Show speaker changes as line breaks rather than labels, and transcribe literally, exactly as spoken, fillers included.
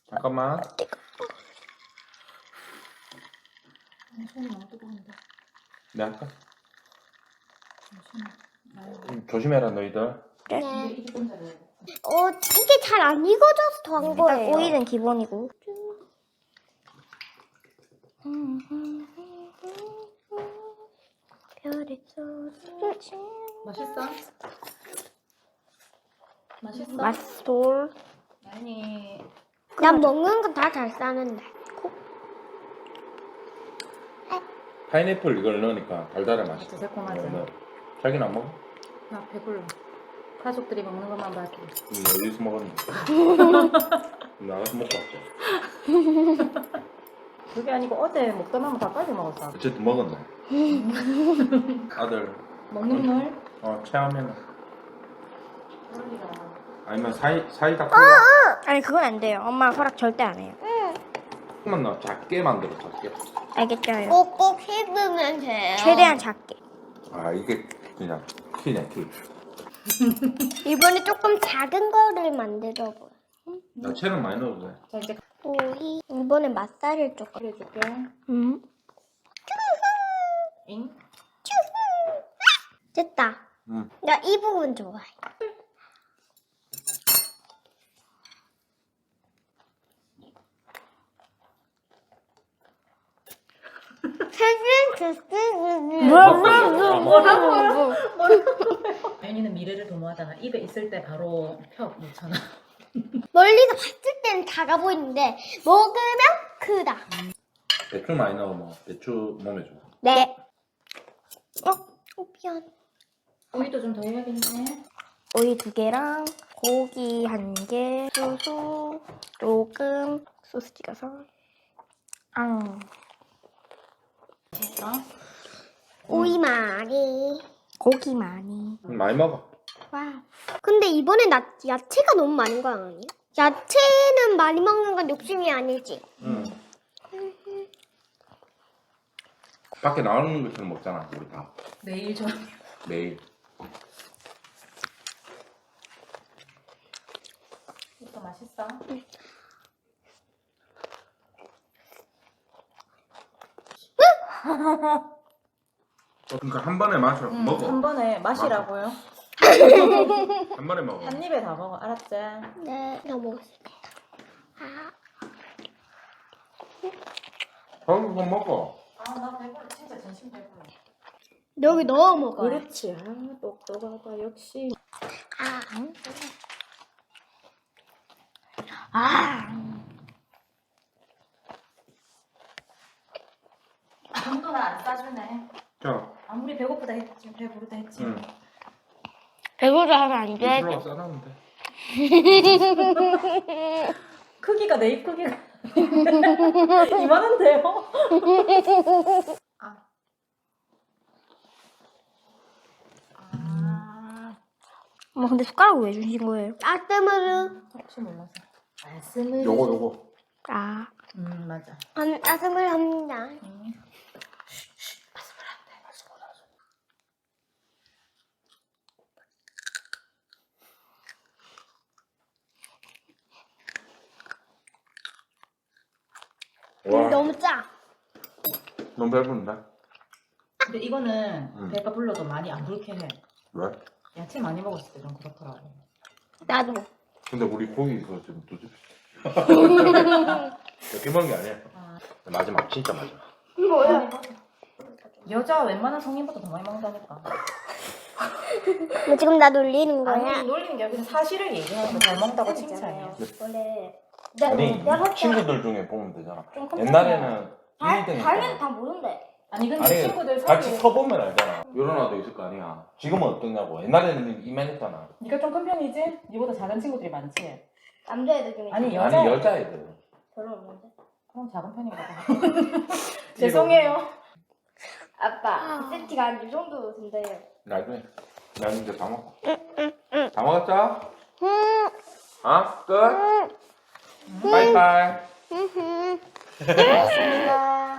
잠깐만.
손이 너무 뜨거운데.
내 할까?
잠시만.
음, 조심해라 너희들.
네.
이게 좀 잘해.
어, 이게 잘 안 익어져서 더 한 거예요.
오일은 기본이고. 별의 소리.
맛있어? 맛있어?
맛돌.
아니.
난 먹는 건 다 잘 싸는데.
파인애플 이걸 넣으니까 달달해 맛있어.
진짜 새콤하지?
네, 네. 자기는 안 먹어?
나 배불러. 가족들이 먹는 것만 봐도.
음, 어디서 먹었는데? 나가서 먹고 왔죠.
그게 아니고 어제 먹다 남은 다 빨리 먹었어.
어쨌든 먹었네. 아들
먹는 물?
어 체하면은
그러니까.
아니면 사이 사이다
어,
콜라
아니 그건 안 돼요. 엄마 허락 절대 안 해요.
조금만 넣어. 작게 만들어 작게.
알겠죠요?
꼭꼭 씹으면 돼요.
최대한 작게.
아 이게 그냥 키네 키.
이번에 조금 작은 거를 만들어 보여.
야채는 많이 넣어도 돼.
자 이제
오이. 이번에 맛살을 조금.
그래줄게.
음.
잉?
됐다.
응.
나 이 부분 좋아해.
뭐라고요?
아윤이는 미래를 도모하잖아. 입에 있을 때 바로 펴 놓잖아.
멀리서 봤을 때는 작아 보이는데 먹으면 크다.
배추 많이 넣어 뭐 배추 몸에 좋아.
네. 어? 어 미안.
오이도 좀 더 해야겠네.
오이 두 개랑 고기 한 개, 소스 조금, 소스 찍어서. 앙.
됐어?
오이 많이.
고기 많이.
많이 먹어.
와. 근데 이번에 나 야채가 너무 많은 거 아니야? 야채는 많이 먹는 건 욕심이 아니지.
응. 밖에 나오는 것처럼 먹잖아 우리 다
내일 저
매일.
이거 맛있어?
그러니까 한 번에 마셔
응,
먹어.
한 번에 마시라고요.
한 번에 먹어.
한 입에 다 먹어. 알았지?
네. 나 먹었을게. 아.
저기 그거 먹어.
아, 나 배불러. 진짜 진심 배불러.
여기 넣어 먹어요.
그렇지. 아, 똑똑하다. 역시.
아.
아.
돈도 나 안 싸주네.
자,
아무리 배고프다 했지, 배부르다 했지.
응.
배부르다 하면 안 돼.
이슬로가 싸놨는데.
크기가 내 입 크기가 이만한데요? 아. 아.
엄마 근데 숟가락 왜 주신 거예요?
아스무르.
혹시 몰라서. 말씀을.
요거 요거.
아.
음 맞아.
음, 아스무르 합니다.
음.
와,
너무 짜.
너무 배부른데?
근데 이거는
음.
배가 불러도 많이 안 불쾌해.
왜?
야채 많이 먹었을 때 좀 그렇더라고.
나도.
근데 우리 고기 이거 지금 두 집. 이렇게 먹는 게 아니야.
아.
마지막 진짜 마지막.
뭐야?
여자 웬만한 성인보다 더 많이 먹는다니까.
너 지금 나 놀리는 거야?
아니 놀리는 게 아니라 사실을 얘기하는 거 잘 먹는다고 칭찬이야.
원래
아니
내가 봤을 때
친구들 중에 보면 되잖아.
좀 큰
옛날에는 일 등
달면 다 모른대.
아니 근데
아니
친구들
같이
사이에
서보면 알잖아. 이런 아도 있을 거 아니야. 지금은 어떠냐고. 옛날에는 이만했잖아.
네가 좀 큰 편이지? 네보다 작은 친구들이 많지?
남자애들 중에
아니 여자
아니 여자애들.
별로 없는데.
그럼 작은 편인가 봐. 죄송해요.
아빠 세트가 한 이 정도 된대요.
나중에 난 이제 다 먹어. 다 먹었어? 어? 끝? 바이바이.
고맙습니다.